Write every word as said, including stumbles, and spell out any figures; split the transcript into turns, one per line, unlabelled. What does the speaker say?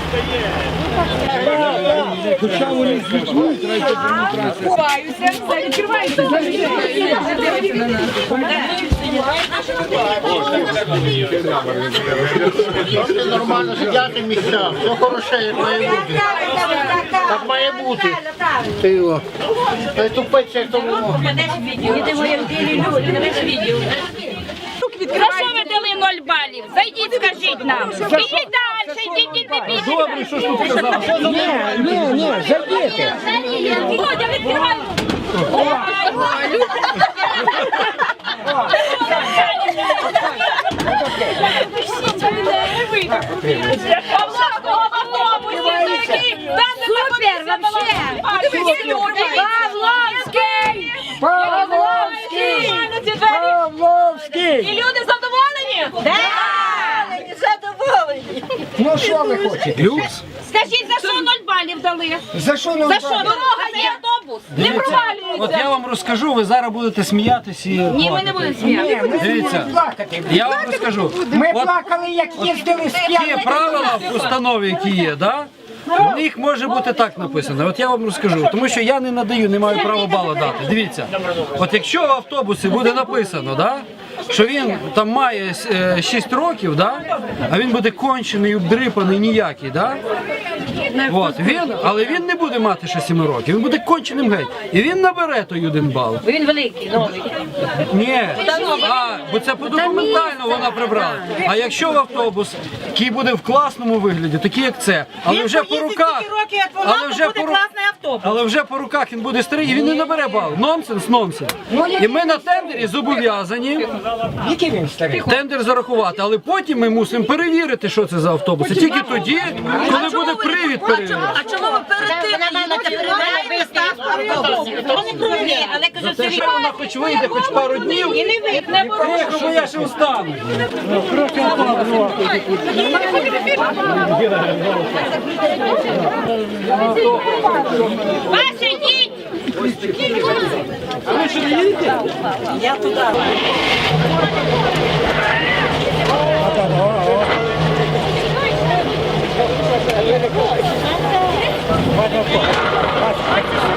Хоча вони звітують,
Ховаюся, все відкривається.
Нормально сидяти місця, все хороше, як має бути. Так має бути. Ти його. Та й тупець, як тому.
За що ви дали ноль балів? Зайдіть, скажіть нам. Ідіть далі, ідіть, ідіть, ідіть.
добре, що ж тут сказав? Ні, ні, ні, зайдіть.
Володя, відкривай. Супер, вообще. Павловський!
Павловський! Павловський!
І люди задоволені? Так! Задоволені.
Ну що ви хочете? Люкс?
Скажіть, за що ноль балів дали?
За що нам?
За що? Дорога є, автобус. Не
От
провалюється.
я вам розкажу, ви зараз будете сміятись і
Ні, ми не будемо сміятися.
Дивіться,
Плакати.
я вам розкажу.
Ми
От
плакали, як їздили з
ті
п'яни.
правила в установі, які є, да? В них може бути так написано. От я вам розкажу, тому що я не надаю, не маю права бала дати. Дивіться, от якщо в автобусі буде написано, да, що він там має е, шість років, да, а він буде кончений, обдрипаний, ніякий, да? От, він, але він не буде мати ще сім років, він буде конченим геть. І він набере той один бал.
Він великий, новий.
Ні, а, бо це подокументально вона прибрала. А якщо в автобус, який буде в класному вигляді, такий як це, але вже по руках, але вже по ру- але вже по руках він буде старий і він не набере бал. Нонсенс, нонсенс. І ми на тендері зобов'язані
Який він старий?
тендер зарахувати, але потім ми мусимо перевірити, що це за автобус. І тільки тоді, коли буде привід перевірити.
А чому ви перед тим але кажу,
Це що вона хоч вийде, хоч пару днів,
і не випне.
що я ще встану.
Вася, йдіть!
Ладно,